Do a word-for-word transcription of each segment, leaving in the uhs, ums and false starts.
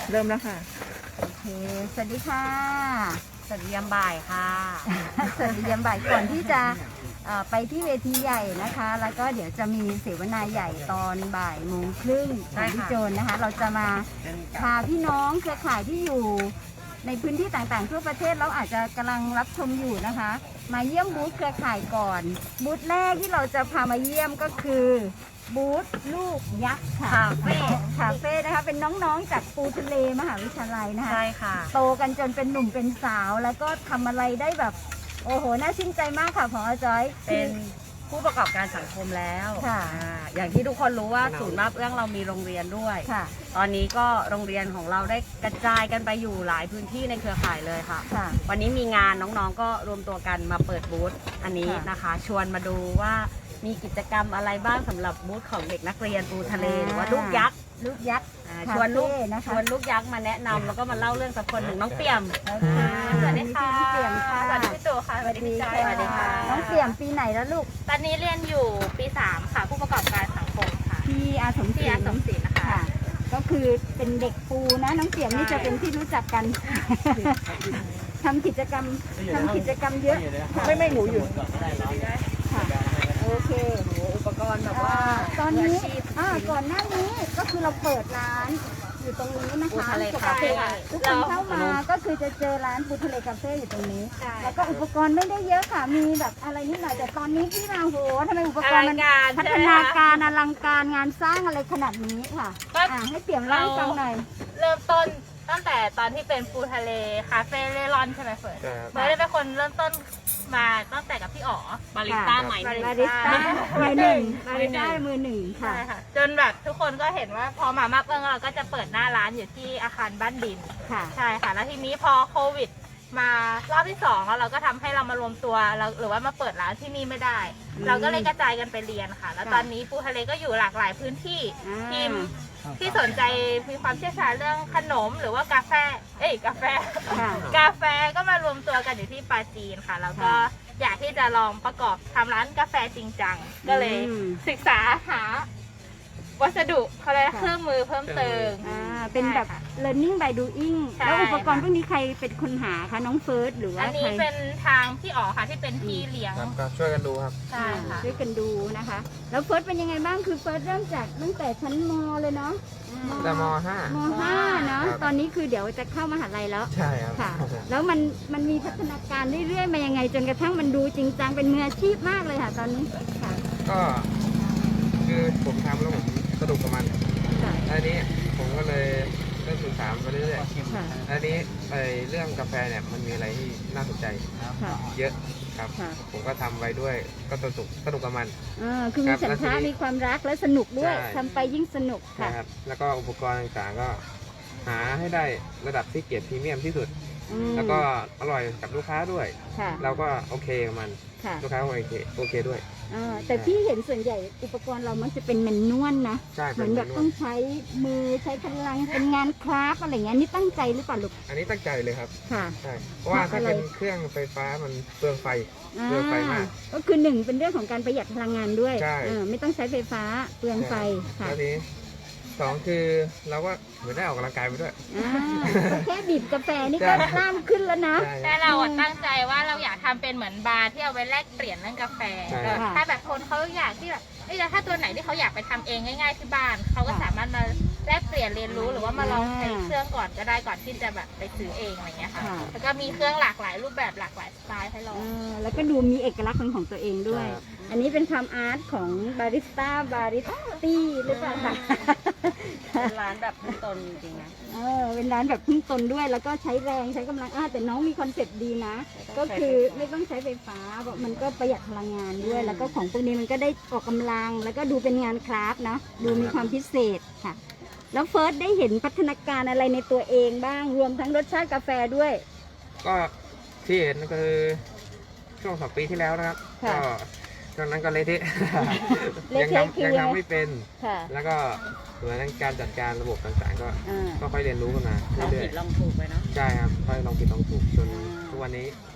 เริ่มแล้วค่ะโอเคสวัสดีค่ะสวัสดียามบ่ายค่ะสวัสดียามบ่ายก่อนที่จะไปที่เวทีใหญ่นะคะแล้วก็เดี๋ยวจะมีเสวนาใหญ่ตอนบ่ายโมงครึ่งของพี่โจนนะคะเราจะมาพาพี่น้องเครือข่ายที่อยู่ในพื้นที่ต่างๆทั่วประเทศแล้วอาจจะกำลังรับชมอยู่นะคะมาเยี่ยมบูธเครือข่ายก่อนบูธแรกที่เราจะพามาเยี่ยมก็คือบูธลูกยักษ์ค่ะคาเฟ่คาเฟ่นะคะเป็นน้องๆจากปูทะเลมหาวิทยาลัยนะคะใช่ค่ะโตกันจนเป็นหนุ่มเป็นสาวแล้วก็ทำอะไรได้แบบโอ้โหน่าชื่นใจมากค่ะของอาจอยเป็นผู้ประกอบการสังคมแล้วค่ะอย่างที่ทุกคนรู้ว่าศูนย์มาบเอื้องเรามีโรงเรียนด้วยค่ะตอนนี้ก็โรงเรียนของเราได้กระจายกันไปอยู่หลายพื้นที่ในเครือข่ายเลยค่ะค่ะวันนี้มีงานน้องๆก็รวมตัวกันมาเปิดบูธอันนี้นะคะชวนมาดูว่ามีกิจกรรมอะไรบ้างสำหรับบูธของเด็กนักเรียนปูทะเลหรือว่าลูกยักษ์ลูกยักษ์ชวนลูกชวนลูกยักษ์มาแนะนำแล้วก็มาเล่าเรื่องสักคนหนึ่งน้องเปี่ยมสวัสดีค่ะพี่เปี่ยมค่ะสวัสดีพี่ตู่ค่ะสวัสดีค่ะสวัสดีค่ะน้องเปี่ยมปีไหนแล้วลูกตอนนี้เรียนอยู่ปีสามค่ะผู้ประกอบการสังคมค่ะที่อาสมศรีที่อาสมศรีนะคะก็คือเป็นเด็กปูนะน้องเปี่ยมนี่จะเป็นที่รู้จักกันทำกิจกรรมทำกิจกรรมเยอะไม่ไม่หนูอยู่ค่ะโอเคอุปกรณ์แบบว่าตอนนี้ก่อนหน้านี้ก็คือเราเปิดร้านอยู่ตรงนี้นะคะปกติทุกคนเข้ามาก็คือจะเจอร้านปูทะเลคาเฟ่อยู่ตรงนี้แล้วก็อุปกรณ์ไม่ได้เยอะค่ะมีแบบอะไรนิดหน่อยแต่ตอนนี้ที่มาโหทำไมอุปกรณ์มันพัฒนาการอลังการงานสร้างอะไรขนาดนี้ค่ะให้เปี่ยมเล่าให้ฟังหน่อยเริ่มต้นตั้งแต่ตอนที่เป็นปูทะเลคาเฟ่เล่ร่อนใช่ไหมเฟิร์นเฟิร์นได้เป็นคนเริ่มต้นมาตั้งแต่กับพี่อ๋อบาริสต้าใหม่หนึ่งบาริสต้ามือหนึ่งบาริสต้ามือหนึ่งค่ะจนแบบทุกคนก็เห็นว่าพอมามักเอิงเราก็จะเปิดหน้าร้านอยู่ที่อาคารบ้านดินใช่ค่ะแล้วทีนี้พอโควิดมารอบที่สองแล้วเราก็ทำให้เรามารวมตัวเราหรือว่ามาเปิดร้านที่นี่ไม่ได้ เราก็เลยกระจายกันไปเรียนค่ะแล้วตอนนี้ปูทะเลก็อยู่หลากหลายพื้นที่ทีมที่สนใจมีความเชี่ยวชาญเรื่องขนมหรือว่ากาแฟเอ้ยกาแฟกาแฟก็มารวมตัวกันอยู่ที่ปาจีนค่ะแล้วก็อยากที่จะลองประกอบทำร้านกาแฟจริงจังก็เลยศึกษาหาวัสดุเขาเรียกเครื่องมือเพิ่มเติมเป็นแบบ learning by doing แล้วอุปกรณ์พวกนี้ใครเป็นคนหาคะน้องเฟิร์สหรือว่าอันนี้เป็นทางพี่อ๋อค่ะที่เป็นพี่เลี้ยงครับช่วยกันดูครับใช่ค่ะช่วยกันดูนะคะแล้วเฟิร์สเป็นยังไงบ้างคือเฟิร์สเริ่มจากตั้งแต่ชั้นม.เลยเนาะแต่ม.ห้ามห้าเนาะตอนนี้คือเดี๋ยวจะเข้ามหาลัยแล้วใช่ครับค่ะแล้วมันมันมีพัฒนาการเรื่อยๆมายังไงจนกระทั่งมันดูจริงจังเป็นมืออาชีพมากเลยค่ะตอนนี้ค่ะก็คือผมทำแล้วผมสนุกกับมันอันนี้ผมก็เลยเริ่มศึกษาไปเรื่อยๆอันนี้ไอเรื่องกาแฟเนี่ยมันมีอะไรที่น่าสนใจเยอะครับผมก็ทำไปด้วยก็สนุกสนุกกับมันอ่าคือมีฉันทะมีความรักและสนุกด้วยทำไปยิ่งสนุกค่ะแล้วก็อุปกรณ์ต่างๆก็หาให้ได้ระดับที่เกียรติพรีเมียมที่สุดแล้วก็อร่อยกับลูกค้าด้วยเราก็โอเคกับมันลูกค้าโอเคโอเคด้วยแต่พี่เห็นส่วนใหญ่อุปกรณ์เรามันจะเป็นแมนนวลนะเหมือนแบบต้องใช้มือใช้พลังเป็นงานคราฟอะไรเงี้ยนี่ตั้งใจหรือเปล่าลูกอันนี้ตั้งใจเลยครับค่ะใช่เพราะว่าถ้าเป็นเครื่องไฟฟ้ามันเปลืองไฟเปลืองไฟมากก็คือหนึ่งเป็นเรื่องของการประหยัดพลังงานด้วยไม่ต้องใช้ไฟฟ้าเปลืองไฟค่ะแล้วนี้สองคือเราก็เหมือนได้ออกกำลังกายไปด้วยแค่บีบกาแฟนี่ก็กล้ามขึ้นแล้วนะแต่เราตั้งใจว่าเราอยากทำเป็นเหมือนบาร์ที่เอาไว้แลกเปลี่ยนเรื่องกาแฟถ้าแบบคนเขาอยากที่แบบเอ้ยถ้าตัวไหนที่เขาอยากไปทำเองง่ายๆที่บ้านเขาก็สามารถมาแลกเปลี่ยนเรียนรู้หรือว่ามาลองใช้เครื่องก่อนก็ได้ก่อนที่จะแบบไปซื้อเองอะไรเงี้ยค่ะแล้วก็มีเครื่องหลากหลายรูปแบบหลากหลายสไตล์ให้ลองแล้วก็ดูมีเอกลักษณ์ของตัวเองด้วยอันนี้เป็นความอาร์ตของบาริสต้าบาริสตี้หรือเปล่าคะเป็นร้านแบบพึ่งตนจริงๆนะเออเป็นร้านแบบพึ่งตนด้วยแล้วก็ใช้แรงใช้กำลังอ่าแต่น้องมีคอนเซ็ปต์ดีนะก็คือไม่ต้องใช้ไฟฟ้ามันก็ประหยัดพลังงานด้วยแล้วก็ของพวกนี้มันก็ได้ออกกำลังแล้วก็ดูเป็นงานคราฟต์นะดูมีความพิเศษค่ะแล้วเฟิร์สได้เห็นพัฒนาการอะไรในตัวเองบ้างรวมทั้งรสชาติกาแฟด้วยก็ที่เห็นก็คือช่วงสองปีที่แล้วนะครับก็ตอนนั้นก็เละเทะยังทำยังทำไม่เป็นแล้วก็ส่วนการจัดการระบบต่างๆก็ค่อยเรียนรู้กันมาลองผิดลองถูกไปเนาะใช่ครับค่อยลองผิดลองถูกจนทุกวันนี้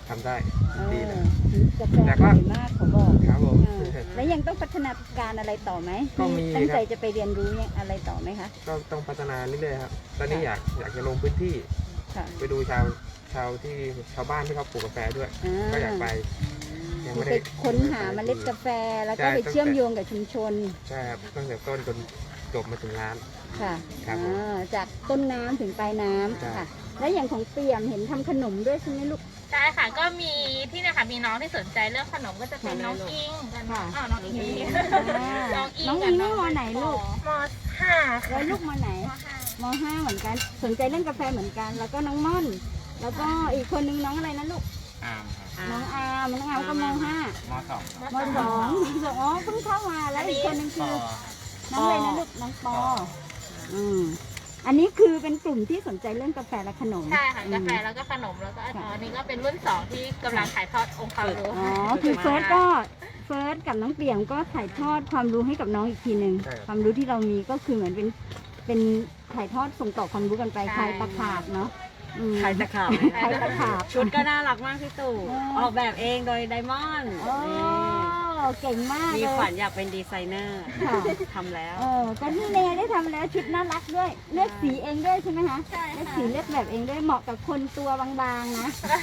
ทำได้เอดีอเลยกาแฟแต่อก็ร่อยมากเขาบอกครับผมเออแล้วยังต้องพัฒนาการอะไรต่อไหมก็มีตั้งใจครับจะไปเรียนรู้เนี่ยอะไรต่อไหมคะก็ต้องพัฒนาเรื่อยๆครับ ตอนนี้อยากอยากจะลงพื้นที่ค่ะไปดูชาวชาวที่ชาวบ้านที่เขาปลูกกาแฟด้วยอ่าก็อยากไปยังคือไม่ไปได้ค้นหาเมล็ดกาแฟแล้วก็ใช่ไปเชื่อมโยงกับชุมชนใช่ครับตั้งแต่ต้นจนจบมาถึงร้านค่ะครับผมอ่าจากต้นน้ำถึงปลายน้ำใช่ค่ะ แล้วอย่างของเปี่ยมเห็นทำขนมด้วยใช่ไหมลูกใช่ค่ะก็มีที่เนี่ยค่ะมีน้องที่สนใจเรื่องขนมก็จะเป็นน้องอิงกันค่ะอ้าวน้องอิงอ่าน้องอิงน้องกัอิบงน้องมอไหนลูกมห้าแล้วลูกมอไหนมห้าเหมือนกัน สนใจเรื่องกาแฟเหมือนกัน แล้วก็น้องม่อน แล้วก็อีกคนนึงน้องอะไรนะลูกอามครับน้องอามน้องอามก็มห้ามสองมสองอ๋อเพิ่งเข้ามาแล้วอีกคนนึงคือ น้องอะไรนะลูกน้องปออืมอันนี้คือเป็นกลุ่มที่สนใจเรื่องกาแฟและขนมใช่ค่ะอืมกาแฟแล้วก็ขนมแล้วก็อ๋ออันนี้ก็เป็นรุ่นสองที่กำลังถ่ายทอดองค์ความรู้อ๋อ คือเฟิร์สก็เฟิร์สกับน้องเปี่ยมก็ถ่ายทอดความรู้ให้กับน้องอีกทีหนึ่งใช่ครับความรู้ที่เรามีก็คือเหมือนเป็นเป็นถ่ายทอดส่งต่อความรู้กันไปใช่ใครตะขาบเนาะอืมใครตะขาบใครตะขาบชุดก็น่ารักมากพี่ตู่เออออกแบบเองโดยไดมอนด์โอ้เก่งมากมีเลยฝันอยากเป็นดีไซเนอร์ค่ะทำแล้วเออก็นี่เนได้ทำแล้วชุดน่ารักด้วย เลือกสีเองด้วยใช่ไหมคะใช่เลือกค่ะสีเลือกแบบเองด้วยเหมาะกับคนตัวบางๆนะ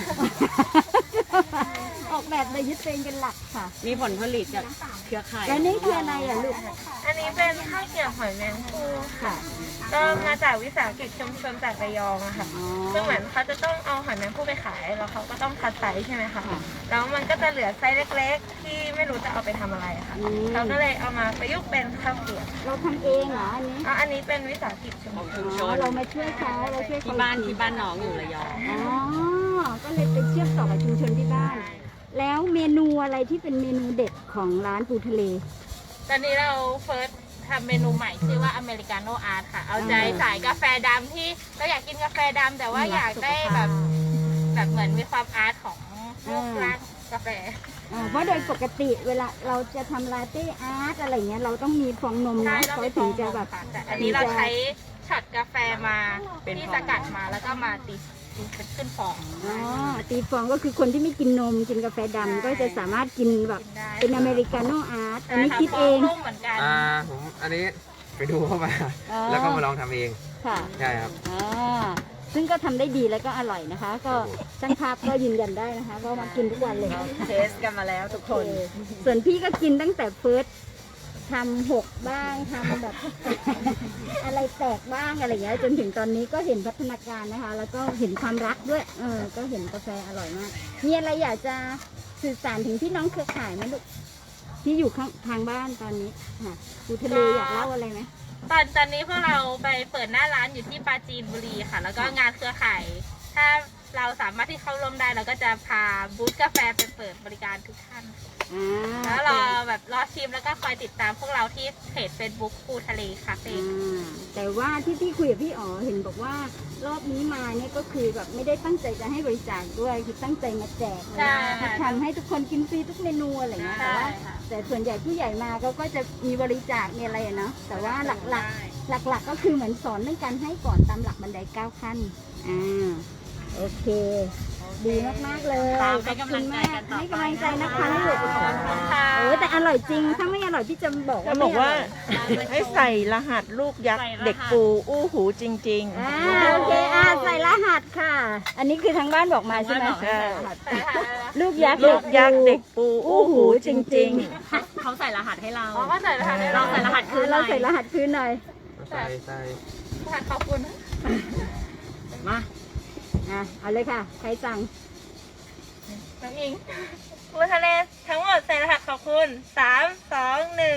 ออกแบบโดยยึดตัวเองเป็นหลักค่ะมีผลผลิตจากเครือข่ายแล้วนี่คืออะไรอ่ะลูกอันนี้เป็นข้าวเกรี๊ยวหอยแมงภู่ค่ะ ก็มาจากวิสาหกิจชุมชนจากระยองอะค่ะอ๋อซึ่งเหมือนเขาจะต้องเอาหอยแมงภู่ไปขายแล้วเขาก็ต้องคัดไซส์ใช่ไหมคะค่ะแล้วมันก็จะเหลือไซส์เล็กๆ ที่ไม่รู้จะเอาไปทำอะไรอะค่ะอืมเขาก็เลยเอามาประยุกต์เป็นข้าวเกรี๊ยวเราทำเองเหรออันนี้อ๋ออันนี้เป็นวิสาหกิจชุมของชชุนมชอ๋อน เรามาช่วยเขาเราช่วยเขาที่บ้านที่บ้านน้องอยู่ระยองอ๋อ ก็เลยไปเชื่อมต่อกับชุมชนที่บ้าน แล้วเมนูอะไรที่เป็นเมนูเด็ดของร้านปูทะเลตอนนี้เราเฟิร์สทำเมนูใหม่ชื่อว่าอเมริกาโน่อาร์ตค่ะ เอาใจอ่าสายกาแฟดำที่เราอยากกินกาแฟดำแต่ว่าอืมอยากได้แบบแบบเหมือนมีความอาร์ตของรูปอ่าร่างกาแฟอ่าเพราะโดยปกติเวลาเราจะทำลาเต้อาร์ตอะไรเงี้ยเราต้องมีฟองนมใช่นะต้องเขาไปถึงจะแบบค่ะแต่อันนี้เราใช้ช็อตกาแฟมาเป็นที่ฟองสกัดมาแล้วก็มาตีตีเป็นขึ้นฟองอ๋อตีฟองก็คือคนที่ไม่กินนมกินกาแฟดำก็จะสามารถกินแบบกินได้เป็นอเมริกาโน่อาร์ตอันนี้ใช่ะคิดเองฟนุ่มเหมือนกันอ่าผมอันนี้ไปดูเข้ามาอ๋อแล้วก็มาลองทำเองค่ะใช่ครับอ่าซึ่งก็ทำได้ดีแล้วก็อร่อยนะคะ ก็ช่างภาพก็ยืนยันได้นะคะว่ามากินทุกวันเลยเทสกันมาแล้วทุกคนส่วนพี่ก็กินตั้งแต่เฟิร์สทำหกบ้างทำแบบ อะไรแตกบ้างอะไรอย่างเงี้ยจนถึงตอนนี้ก็เห็นพัฒนาการนะคะ แล้วก็เห็นความรักด้วยเออก็เห็นกาแฟอร่อยมาก มีอะไรอยากจะสื่อสารถึงพี่น้องเครือข่ายไหมลูกที่อยู่ข้างทางบ้านตอนนี้ค่ะปูทะเลอยากเล่าอะไรไหมตอนตอนนี้พวกเราไปเปิดหน้าร้านอยู่ที่ปราจีนบุรีค่ะ แล้วก็งานเครือข่ายถ้าเราสามารถที่เข้าร่วมได้เราก็จะพาบูธกาแฟไปเปิดบริการทุกท่านอ่าแล้วรอแบบรอชิมแล้วก็คอยติดตามพวกเราที่เพจ Facebook ปูทะเลคาเฟ่อ่าแต่ว่าที่พี่คุยกับพี่อ๋อเห็นบอกว่ารอบนี้มาเนี่ยก็คือแบบไม่ได้ตั้งใจจะให้บริจาคด้วยคือตั้งใจมาแจกคือทำให้ทุกคนกินฟรีทุกเมนูอะไรอย่างเงี้ยแต่ใช่ว่าค่ะแต่ส่วนใหญ่ผู้ใหญ่มาเขาก็จะมีบริจาคมีอะไรอะเนาะแต่ว่าหลักๆ หลักๆก็คือเหมือนสอนเรื่องการให้ก่อนตามหลักบันไดเก้าขั้นอ่าโอเค ดีมากๆเลยตามให้ขอบกำลัคุณงใจมากกันต่อไปให้กำลังใจนะคะลูกค่ะเออแต่อร่อยจริงถ้าไม่อร่อยพี่จะบอกจะว่าบไม่อกอร่ว่าอยให้ใส่รหัสลูกยักษ์เด็กปูอู้หูจริงอ่าโอเคอ่าใส่รหัสค่ะ อันนี้คือทางบ้านบอกมาใช่ไหมทางบ้านบอกให้ใส่รหัสลูกยักษ์ๆ ลูกยักษ์เด็กปูอู้หูจริงเขาใส่รหัสให้เราอ๋อก็ใส่รหัสให้เราเราใส่รหัสคือเราใส่รหัสคืนหน่อยใส่ใส่รหัสขอบคุณมาอ่ะเอาเลยค่ะ ใครสั่งน้องอิงปูทะเลทั้งหมดใส่รหัสขอบคุณสามสองหนึ่ง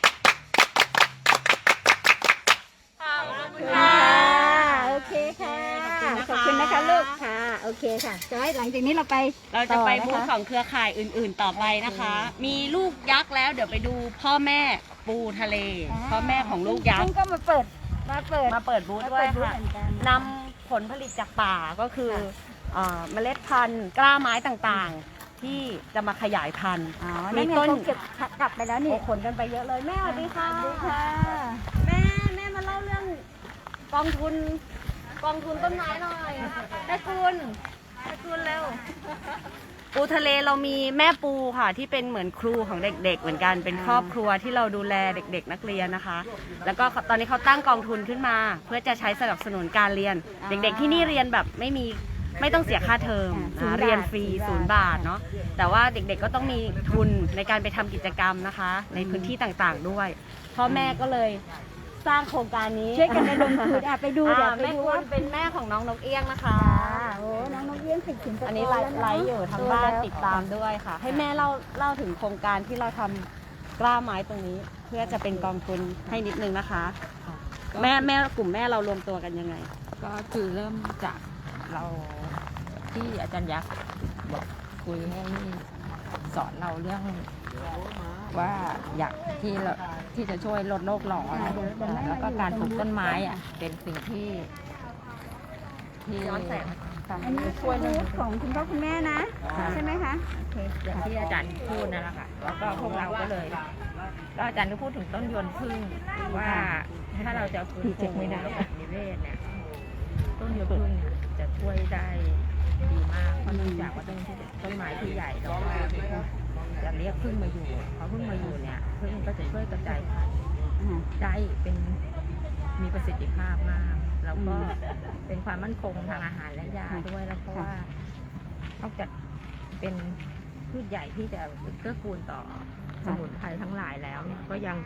ขอบคุณค่ะโอเคค่ะ ขอบคุณนะคะลูกค่ะ โอเคค่ะจอยหลังจากนี้เราไปเราจะไปต่บูนธคของเครือข่ายอื่น ๆ ต่อไปนะคะ มีลูกยักษ์แล้วเดี๋ยวไปดูพ่อแม่ปูทะเล พ่อแม่ของลูกยักซึ่ษ์งก็มาเปิด มาเปิดมาเปิดบูธมาด้วเปิยดบูธค่ะเหมือนกันนำผลผลิตจากป่าก็คือค่ะเอ่อเมล็ดพันธุ์กล้าไม้ต่างๆ ที่จะมาขยายพันธุ์อ๋อมีนั่นไงต้นเขาเก็บกลับไปแล้วนี่โอ้ขนกันไปเยอะเลยแม่สวัสดีค่ะสวัสดีค่ะแม่แม่มาเล่าเรื่องกองทุนกองทุนต้นไม้หน่อยแม่คุณแม่คุณเร็วปูทะเลเรามีแม่ปูค่ะที่เป็นเหมือนครูของเด็กๆเหมือนกันเป็นครอบครัวที่เราดูแลเด็กๆนักเรียนนะคะ แล้วก็ตอนนี้เขาตั้งกองทุนขึ้นมา เพื่อจะใช้สนับสนุนการเรียน เด็กๆที่นี่เรียนแบบไม่มีไม่ต้องเสียค่าเทอมนะเรียนฟรีศูนย์บาทเนาะแต่ว่าเด็กๆก็ต้องมีทุนในการไปทำกิจกรรมนะคะ ในพื้นที่ต่างๆด้วยพ่อแม่ก็เลยสร้างโครงการนี้ช่วยกันระดมทุนอ่ะไปดูเดี๋ยวอ่าไปแม่ดูคุว่าณเป็นแม่ของน้องนกเอี้ยงนะคะค่ะโอ้น้องนกเอี้ยงติดสินอันนี้ไลฟ์ไลฟ์อยู่ทางบ้านติดตามด้วยค่ะ ให้แม่เล่าเล่าถึงโครงการที่เราทำกล้าไม้ตรงนี้ เพื่อจะเป็นกองทุนให้นิดนึงนะคะ แม่แม่กลุ่มแม่เรารวมตัวกันยังไงก็คือเริ่มจากเราที่อาจารย์ยักษ์บอกคุยให้สอนเราเรื่องว่าอยากที่เราที่จะช่วยลดโลกร้อนแล้วก็การปลูกต้นไม้อ่ะเป็นสิ่งที่ที่ย้อนแสงอันนี้ช่วยของคุณพ่อคุณแม่นะใช่ไหมคะโอเคอย่างที่อาจารย์พูดนั่นแหละค่ะแล้วก็พวกเราก็เลยก็อาจารย์ก็พูดถึงต้นยนต์พึ่งว่าถ้าเราจะฟื้นฟูระบบนิเวศเนี่ยต้นยนต์พึ่งเนี่ยจะช่วยได้ดีมากเพราะเนื่องจากว่าต้นที่ต้นไม้ที่ใหญ่แล้วก็จะเรียกพึ่งมาอยู่พอพึ่งมาอยู่เนี่ยพึ่งก็จะช่วยกระจายพันธุ์ได้เป็นมีประสิทธิภาพมากแล้วก็เป็นความมั่นคงทางอาหารและยาด้วยแล้วเพราะว่านอกจากเป็นพืชใหญ่ที่จะเกื้อกูลต่อสมุนไพรทั้งหลายแล้วเนี่ยก็ยัง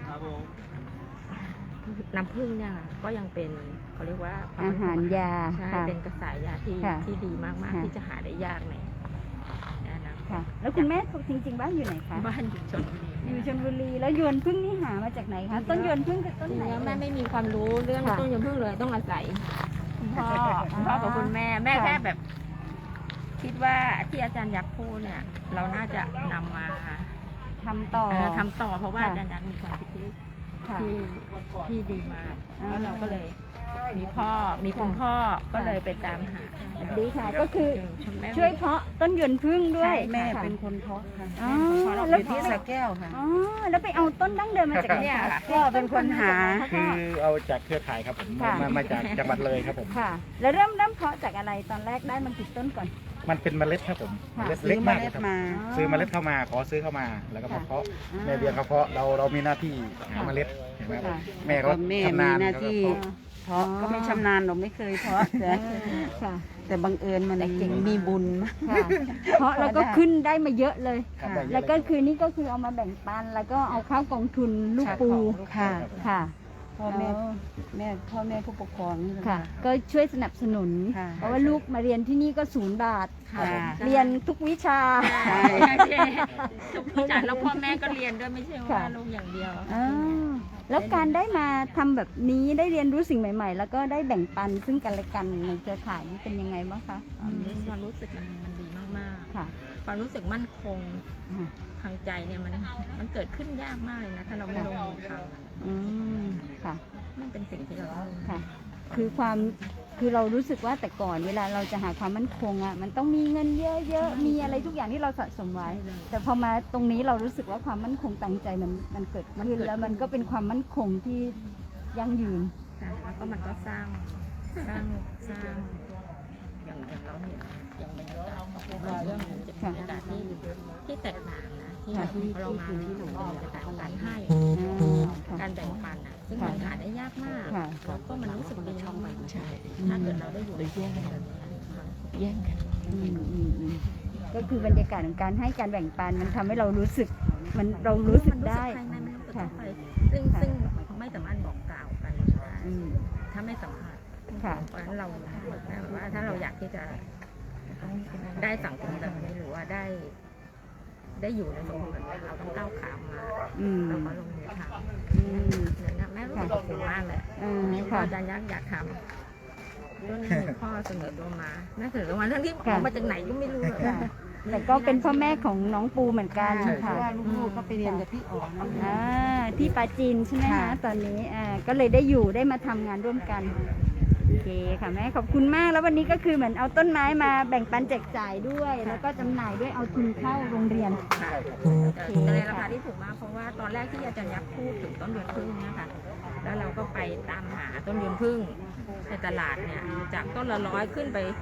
น้ำผึ้งเนี่ยก็ยังเป็นเขาเรียกว่าอาหารยาใช่ค่ะเป็นกระสายยาที่ค่ะที่ดีมากค่ะๆที่จะหาได้ยากในนั่นนะค่ะ แล้วคุณแม่จริงๆบ้านอยู่ไหนคะบ้านอยู่ชลบุรีอยู่ชลบุรีแล้วยวนพึ่งนี่หามาจากไหนคะต้นยวนพึ่งคือต้นจริไหนงๆแล้วแม่ไม่มีความรู้เรื่องค่ะต้นยมพึ่งเลยต้องอาศัยคุณพ่อคุณพ่อกับคุณแม่แม่ค่ะแค่แบบ คิดว่าที่อาจารย์ยักษ์พูดเนี่ย เราน่าจะนำมาทำต่อเอ่อทำต่อเพราะว่าค่ะอาจารย์ยักษ์มีความคิดที่ค่ะที่ที่ดีมากอ่าแล้วเราก็เลย มีพ่อมีคุณพ่อก็เลยไปตามหาดีค่ะ ก็คือคุณแม่ช่วยเพาะต้นยวนพึ่งด้วยแม่ค่ะเป็นคนเพาะค่ะอ๋อเพาะเราแล้วอยู่ที่สระแก้วค่ะอ๋อแล้วไปเอาต้นดั้งเดิมมาจากไหนเนี่ยคะค่ะพ่อเป็นคนหาคือเอาจากเครือข่ายครับผมค่ะมามาจากจังหวัดเลยครับผมค่ะ แล้วเริ่มเริ่มเพาะจากอะไรตอนแรกได้มันกี่ต้นก่อนมันเป็นเมล็ดครับผมค่ะเมล็ดเล็กมากเลยครับอ๋อซื้อเมล็ดเข้ามาขอซื้อเข้ามาแล้วก็มาค่ะเพาะอ่าแม่เลี้ยงเขาเพาะเราเรามีหน้าที่หาเมล็ดเห็นไหมครับค่ะแม่เขาแม่ชำนาญมีหน้าเขที่ก็เพาะเพาะก็ไม่ชำนาญเราไม่เคยเพาะแต่ค่ะแต่บังเอิญมันเก่งมีบุญมากค่ะ เพราะแล้วก็ขึ้นได้มาเยอะเลยครับได้เยอะแล้วก็เลยคือนี่ก็คือเอามาแบ่งปัน แล้วก็เอาเข้ากองทุนลูกปูค่ะค่ะพ่อแม่แม่พ่อแม่ผู้ปกครองนี่แหละค่ะ ก็ช่วยสนับสนุนค่ะเพราะว่าลูกมาเรียนที่นี่ก็ศูนย์บาทค่ะเรียนทุกวิชาใช่ทุกวิจารณ์แล้วพ่อแม่ก็เรียนด้วยไม่ใช่ว่าค่ะลูกอย่างเดียวอ่าแล้วการได้มาทำแบบนี้ได้เรียนรู้สิ่งใหม่ ๆ แล้วก็ได้แบ่งปันซึ่งกันและกันในเครือข่ายนี่เป็นยังไงบ้างคะความรู้สึกมันมันดีมากค่ะๆ ความรู้สึกมั่นคงอ่าทางใจเนี่ยมันมันเกิดขึ้นยากมากเลยนะ ถ้าเราไม่ลงมือทำอืมค่ะมันเป็นสิ่งที่เราต้องค่ะ คือความ คือเรารู้สึกว่าแต่ก่อนเวลาเราจะหาความมั่นคงอ่ะ มันต้องมีเงินเยอะๆ มีอะไรทุกอย่างที่เราสะสมไว้ แต่พอมาตรงนี้เรารู้สึกว่าความมั่นคงตั้งใจมันมันเกิดขึ้นแล้วมันก็เป็นความมั่นคงที่ยั่งยืนค่ะแล้วก็มันก็สร้างสร้างสร้างอย่างอย่างเราเห็นอย่างบรรยากาศของเรื่องมันจะเป็นบรรยากาศที่ที่แตกต่างนะที่ค่ะเรามาที่หนูเป็นบรรยากาศของการให้อ่าค่ะการแบ่งปันอ่ะซึ่งค่ะมันหาได้ยากมากค่ะแล้วก็มันรู้สึกดีช่องใหม่ใช่ถ้าเกิดเราได้อยู่ในแย่งกันแย่งกันอืมอืมอืมก็คือบรรยากาศของการให้การแบ่งปันมันทำให้เรารู้สึก มันเรารู้สึกได้ภายในมันรู้สึกค่ะเข้าไปซึ่งค่ะซึ่งไม่สามารถบอกกล่าวกันได้อืมถ้าไม่สัมผัสค่ะเพราะฉะนั้นเราแบบว่าถ้าเราอยากที่จะได้สังคมแบบนี้หรือว่าได้ ได้อยู่ในสังคมแบบนี้เราต้องก้าวขามมาอืมแล้วก็ลงมือทอืมำเนี่ยนะแม่รู้สึกขอบคุณมากเลยอ่าพอค่ะอาจารย์ยักษ์อยากทำก็มีพ่อเสนอตัวมาแม่เสนอตัวมาทั้งที่ค่ะเอามาจากไหนก็ไม่รู้เลยค่ะ แต่ก็เป็นพ่อแม่ของน้องปูเหมือนกันเพค่ะราะว่าลูกๆก็ไปเรียนกับพี่อ๋อนั่นแหละอ่าที่ปาจีนใช่ไหมคะค่ะตอนนี้อ่าก็เลยได้อยู่ได้มาทำงานร่วมกันโอเคค่ะแม่ขอบคุณมากแล้ววันนี้ก็คือเหมือนเอาต้นไม้มาแบ่งปันแจกจ่ายด้วย แล้วก็จำหน่ายด้วยเอาทุนเข้าโรงเรียนค่ะแต่ในราคาที่ถูกมากเพราะว่าตอนแรกที่อาจารย์ยักษ์พูดถึงต้นเดือนพึ่งเนี่ยค่ะ แล้วเราก็ไปตามหาต้นเดือนพึ่งในตลาดเนี่ยจากต้นละร้อยขึ้นไป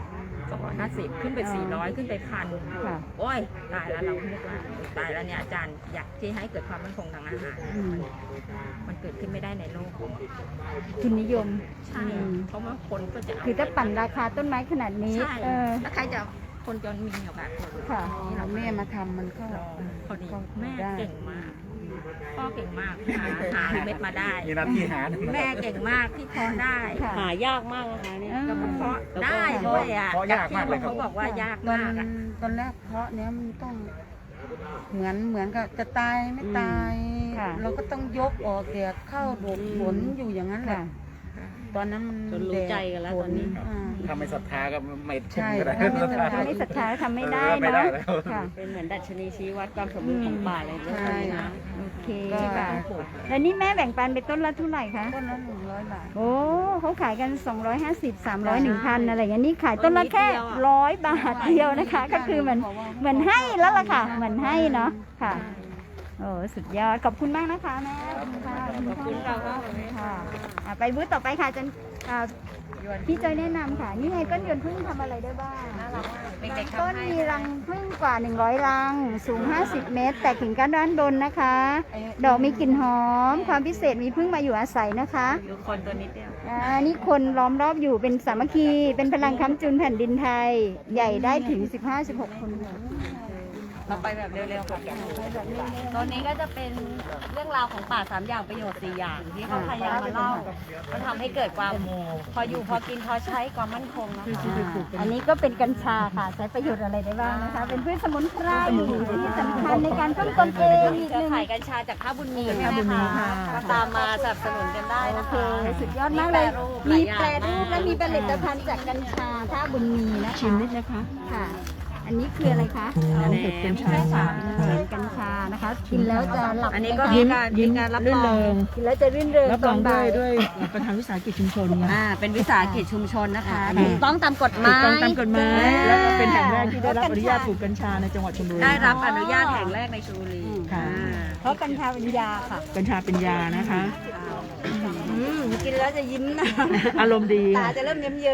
สองร้อยห้าสิบขึ้นไปสี่ร้อยขึ้นไปพันค่ะโอ้ยตายแล้วเราคิดว่าตายแล้วเนี่ยอาจารย์อยากที่ให้เกิดความมั่นคงทางอาหารอืมมันเกิดขึ้นไม่ได้ในโลกทุนนิยมใช่เพราะว่าคนก็จะเคือถ้าปั่นราคาต้นไม้ขนาดนี้ใช่เออแล้วใครจะคนจนมีโอกาสค่ะนี่เราแม่มาทำมันก็ลองพอดีก็แม่ได้เก่งมากพ่อเก่งมากหาหาเม็ดมาได้มีหน้าที่หาแม่เก่งมากที่เพาะได้ค่ะหายากมากนะคะเนี่ยแล้วก็เพาะได้ด้วยอ่ะเพราะยากมากเลยครับเขาบอกว่ายากตอนมากอะตอนแรกเพราะเนี้ยมันต้อง เหมือนเหมือนกับจะตายไม่ตายค่ะเราก็ต้องยกออกแดดเข้าโดดฝนอยู่อย่างนั้นแหละค่ะตอนนั้นมันจนรู้ใจกันแล้วดตอนนี้ฝอ่าถ้าไม่ศรัทธาก็ไม่ใช่ก็ได้ถ้าไม่ศรัทธาถ้าไม่ศรัทธาทำไม่ได้เออไม่ได้เนาะแล้วค่ะเป็นเหมือนดัชนีชี้วัดความสมบูรณ์ของป่าเลยเรื่องใช่นี้นะโอเคก็ค่ะ แล้วนี่แม่แบ่งปันไปต้นละเท่าไหร่คะต้นละหนึ่งร้อยบาทโอ้เขาขายกัน สองร้อยห้าสิบ สามร้อย หนึ่งพัน อะไรอย่างนี้นี่ขายต้นละแค่ต้นนิดเดียวอะร้อยบาทเดียวนะคะ ก็คือเหมือนเหมือนให้แล้วล่ะค่ะ เหมือนให้เนาะ ค่ะ โอ้สุดยอด ขอบคุณมากนะคะแม่ ขอบคุณค่ะขอบคุณค่ะค่ะอ่ะ ไปบูธต่อไปค่ะจันอ่าพี่จอยแนะนำค่ะ นี่ไงต้นยนต์พึ่งทำอะไรได้บ้างเด็กๆต้นทำให้มีรังพึ่งกว่า หนึ่งร้อย รัง สูง ห้าสิบ เมตร แตกกิ่งก้านด้านบนนะคะ ดอกมีกลิ่นหอม ความพิเศษมีพึ่งมาอยู่อาศัยนะคะดูคนตัวนิดเดียวอ่านี่คนล้อมรอบอยู่เป็นสามัคคี เป็นพลังค้ำจุนแผ่นดินไทย ใหญ่ได้ถึง สิบห้าสิบหก คนค่ะเราไปแบบเร็วๆค่ะตอนนี้ก็จะเป็นเรื่องราวของป่าสามอย่างประโยชน์สี่อย่างที่เขาพยายามมาเล่ามันทำให้เกิดความพออยู่พอกินพอใช้ความมั่นคงนะคะอันนี้ก็เป็นกัญชาค่ะ ใช้ประโยชน์อะไรได้บ้างนะคะ เป็นพืชสมุนไพรที่สำคัญในการป้องกันเองอีกเครือหนึ่งข่ายกัญชาจากท่าบุญมีใช่ไหมคะก็ตามมาสนับสนุนกันได้โอนะเคคะสุดยอดมากเลยมีมีแปแปรรรูรูปปและมีผลิตภัณฑ์จากกัญชาท่าบุญมีนะคะชิมนิดนะคะค่ะ อันนี้คืออะไรคะเห็ดกัญชาเห็ดกัญชานะคะ กินแล้วจะหลับอันนี้ก็ไหมมีคะการมีการรับรองกินแล้วจะรื่นเริงรับตรออน งด้บ่าวยยด้วยประธานวิสาหกิจชุมชนไงอ่าเป็นวิสาหกิจชุมชนนะคะอ่าถูกต้องตามกฎหมายถูกต้องตามกฎหมาย แล้วก็เป็นแห่งแรกที่ได้รับกัญชาอนุญาตปลูกกัญชาในจังหวัดชลบุรีได้รับอนุญาตแห่งแรกในชลบุรีค่ะอ่าเพราะกัญชาเป็นยาค่ะกัญชาเป็นยานะคะอืมกินแล้วจะยิ้มนะอารมณ์ดีตาจะเริ่มเยิ้มเยิ้ม